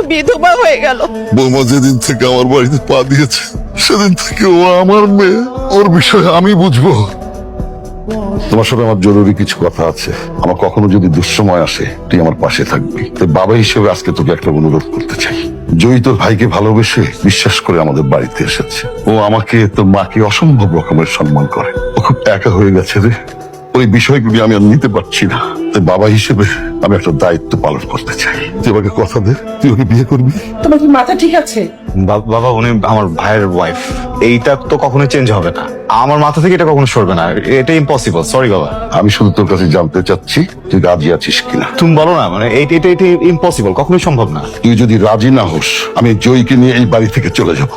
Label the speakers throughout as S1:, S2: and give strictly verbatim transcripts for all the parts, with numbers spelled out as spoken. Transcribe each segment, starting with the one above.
S1: বিধবা হয়ে গেল।
S2: বৌমা যেদিন থেকে আমার বাড়িতে পা দিয়েছে সেদিন থেকে ও আমার মেয়ে, ওর বিষয়ে আমি বুঝবো। তোমার সাথে আমার জরুরি কিছু কথা আছে। আমার কখনো যদি দুঃসময় আসে তুই আমার পাশে থাকবি। তাই বাবা হিসেবে আজকে তোকে একটা অনুরোধ করতে চাই। জয়ী তোর ভাইকে ভালোবেসে বিশ্বাস করে আমাদের বাড়িতে এসেছে। ও আমাকে, তোর মাকে অসম্ভব রকমের সম্মান করে। ও খুব একা হয়ে গেছে রে, ওই বিষয়গুলি আমি আর নিতে পারছি না। তাই বাবা হিসেবে আমি একটা দায়িত্ব পালন করতে চাই। তুই আমাকে কথা দে, তুই ওকে বিয়ে করবি।
S1: তোমার কি মাথা ঠিক আছে?
S3: বাবা উনি আমার ভাইয়ের ওয়াইফ, এইটা তো কখনো চেঞ্জ হবে না। আমার মাথা থেকে এটা কখনো সরবে না, এটা ইম্পসিবল। সরি বাবা।
S2: আমি শুধু তোর কাছে জানতে চাচ্ছি তুই রাজি আছিস কিনা।
S3: তুমি বলো না, মানে এইটা এটা এটা ইম্পসিবল, কখনোই সম্ভব না।
S2: তুই যদি রাজি না হোস আমি জয়ীকে নিয়ে এই বাড়ি থেকে চলে যাব।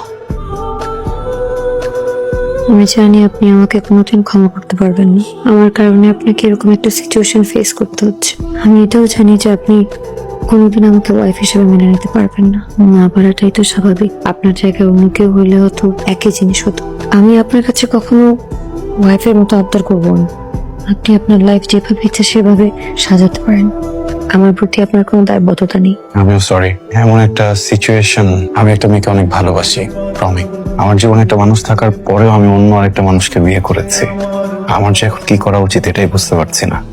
S4: আমি জানি আপনি আমাকে কোনোদিন ক্ষমা করতে পারবেন না। আমার কারণে আপনাকে এরকম একটা সিচুয়েশন ফেস করতে হচ্ছে। আমি এটাও জানি যে আপনি কোনোদিন আমাকে ওয়াইফ হিসেবে মেনে নিতে পারবেন না। না পারাটাই তো স্বাভাবিক। আপনার জায়গায় অন্য কেউ হইলে হয়তো একই জিনিস হতো। আমি আপনার কাছে কখনো ওয়াইফের মতো আবদার করবো না। আপনি আপনার লাইফ যেভাবে ইচ্ছা সেভাবে সাজাতে পারেন। আমার প্রতি আপনার কোনো দায়বদ্ধতা নেই।
S3: আমিও সরি। এমন একটা সিচুয়েশন, আমি একটা মেয়েকে অনেক ভালোবাসি প্রমিক। আমার জীবনে একটা মানুষ থাকার পরেও আমি অন্য আরেকটা মানুষকে বিয়ে করেছি। আমার যে এখন কি করা উচিত এটাই বুঝতে পারছি না।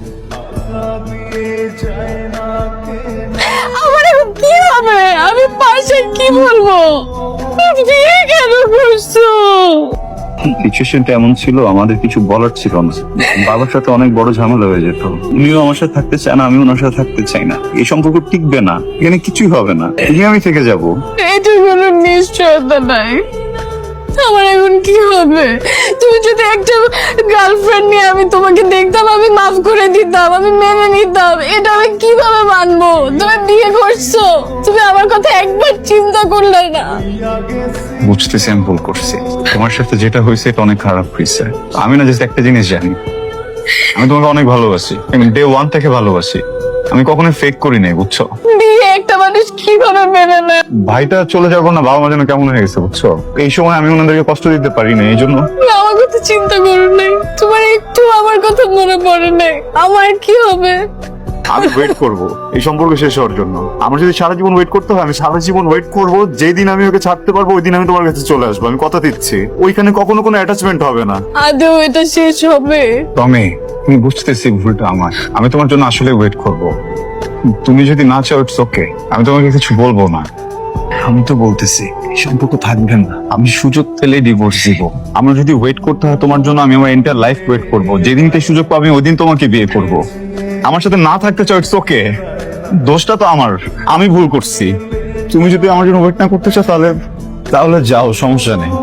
S1: আমার এখন কি হবে? আমি পাশে কি বলবো? বিয়ে কেন করছো?
S5: সিচুয়েশনটা এমন ছিল, আমাদের কিছু বলার ছিল না। বাবার সাথে অনেক বড় ঝামেলা হয়ে যেত। উনিও আমার সাথে থাকতে চায় না, আমি ওনার সাথে থাকতে চাই না। এই সম্পর্ক টিকবে না, এখানে কিছুই হবে না। এই আমি থেকে যাব।
S1: এটা কোনো নিশ্চয়তা নাই। আমার এখন কি হবে? তুমি যদি একটা গার্লফ্রেন্ড নিয়ে আমি তোমাকে দেখতাম, আমি মাফ করে দিতাম, আমি মেনে নিতাম। এটা আমি কিভাবে মানবো? তুমি বিয়ে করছো, তুমি আমার কথা একবার চিন্তা করলে না।
S5: বুঝতেছি আমি ভুল করছি। তোমার সাথে যেটা হয়েছে এটা অনেক খারাপ হয়েছে। আমি না জাস্ট একটা জিনিস জানি, আমি তোমাকে অনেক ভালোবাসি। আমি ডে ওয়ান থেকে ভালোবাসি। আমি কখনো ফেক করি নাই, বুঝছো?
S1: বিয়ে একটা মানুষ কিভাবে মেনে নেয়?
S5: ভাইটা চলে যাবো না, বাবা মা যেন কেমন হয়ে গেছে, বুঝছো? এই সময় আমি ওনাদেরকে কষ্ট দিতে পারি না, এই জন্য।
S1: তুমি আমার কথা চিন্তা করো নাই, তোমার একটু আমার কথা মনে পড়ে নাই। আমার কি হবে?
S5: আমি ওয়েট করব এই সম্পর্ক শেষ হওয়ার জন্য। আমার যদি সারা জীবন ওয়েট করতে হয়, আমি সারা জীবন ওয়েট করব। যেই দিন আমি ওকে ছাড়তে পারবো ওই দিন আমি তোমার কাছে চলে আসবো। আমি কথা দিচ্ছি, ওইখানে কখনো কোনো অ্যাটাচমেন্ট হবে না।
S1: আদৌ এটা শেষ হবে?
S5: টমি, তুমি বুঝতেছি ভুলটা আমার। আমি তোমার জন্য আসলে ওয়েট করব। তুমি যদি না চাও ইটস ওকে, আমি তোমাকে কিছু বলবো না। আমি তো বলতেছি এই সম্পর্ক থাকবে না। আমি সুযোগ পেলে ডিভোর্স দিব। আমার যদি ওয়েট করতে হয় তোমার জন্য, আমি আমার এন্টার লাইফ ওয়েট করব। যেদিনকে সুযোগ পাবো ওই দিন তোমাকে বিয়ে করব। আমার সাথে না থাকতে চাও ইটস ওকে, দোষটা তো আমার, আমি ভুল করছি। তুমি যদি আমার জন্য ওয়েট না করতে চাও তাহলে তাহলে যাও, সমস্যা নেই।